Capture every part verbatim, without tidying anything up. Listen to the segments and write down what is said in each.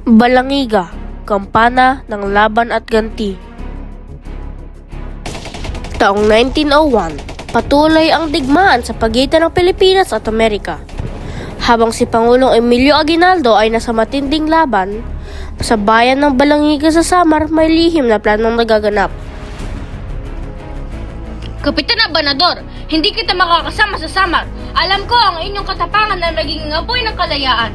Balangiga, kampana ng laban at ganti. Taong nineteen oh one, patuloy ang digmaan sa pagitan ng Pilipinas at Amerika. Habang si Pangulong Emilio Aguinaldo ay nasa matinding laban, sa bayan ng Balangiga sa Samar may lihim na planong nagaganap. Kapitan Abanador, hindi kita makakasama sa Samar. Alam ko ang inyong katapangan na naging apoy ng kalayaan.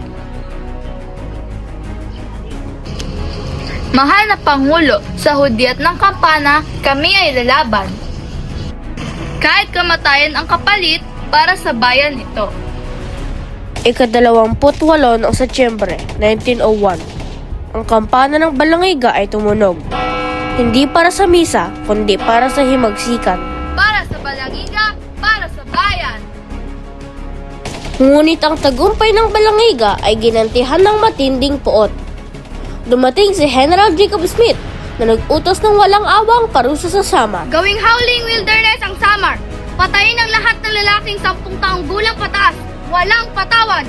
Mahal na Pangulo, sa hudyat ng kampana, kami ay lalaban. Kahit kamatayan ang kapalit para sa bayan ito. Ikadalawamput walo ng Setyembre nineteen oh one, ang kampana ng Balangiga ay tumunog. Hindi para sa misa, kundi para sa himagsikan. Para sa Balangiga, para sa bayan. Ngunit ang tagumpay ng Balangiga ay ginantihan ng matinding puot. Dumating si General Jacob Smith na nag-utos ng walang awang parusa sa Samar. Gawing howling wilderness ang Samar. Patayin ang lahat ng lalaking sampung taong gulang pataas. Walang patawad.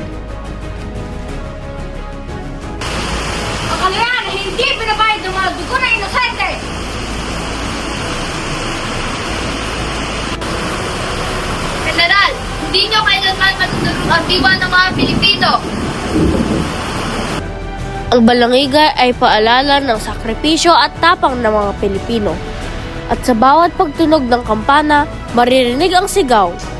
Ang kalayaan ay hindi pinabayad ng mga dugo na inosente. General, hindi nyo kailanman matutulog ang diwa ng mga Pilipino. Ang Balangiga ay paalala ng sakripisyo at tapang ng mga Pilipino. At sa bawat pagtunog ng kampana, maririnig ang sigaw